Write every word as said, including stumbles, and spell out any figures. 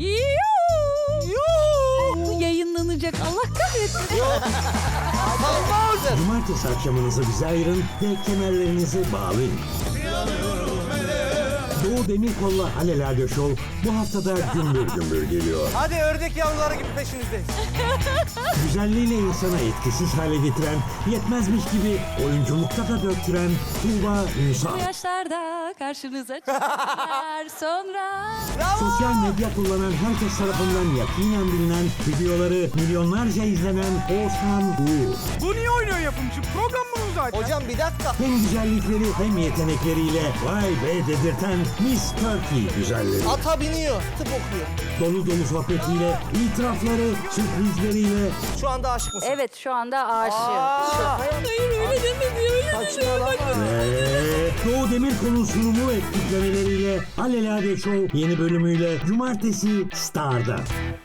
Bu yayınlanacak, Allah kahretsin. Yok. Olmaz. Cumartesi akşamınızı bize ayırın ve kemerlerinizi bağlayın. Doğu Demirkol'la Alelade Show bu haftada gümbür gümbür geliyor. Hadi ördek yavruları gibi peşinizdeyiz. Güzelliğiyle insana etkisiz hale getiren, yetmezmiş gibi oyunculukta da döktüren Tuğba Ünsal. Bu yaşlarda karşınıza çıkar sonra. Sosyal medya kullanan herkes tarafından yakinen bilinen, videoları milyonlarca izlenen Oğuzhan Uğur. Bu niye oynuyor yapımcı? Program bunu zaten. Hocam bir dakika. Hem güzellikleri hem yetenekleriyle vay be dedirten Miss Turkey güzelleri. Ata biniyor. Tıp okuyor. Dolu dolu sohbetiyle, itirafları, sürprizleriyle Şu anda aşık mısın? Evet, şu anda aşığım. Aa, Hayır öyle demedi, öyle saçmalama. ve Doğu Demirkol'un sunumu ve tiplemeleriyle Alelade Show yeni bölümüyle Cumartesi Star'da.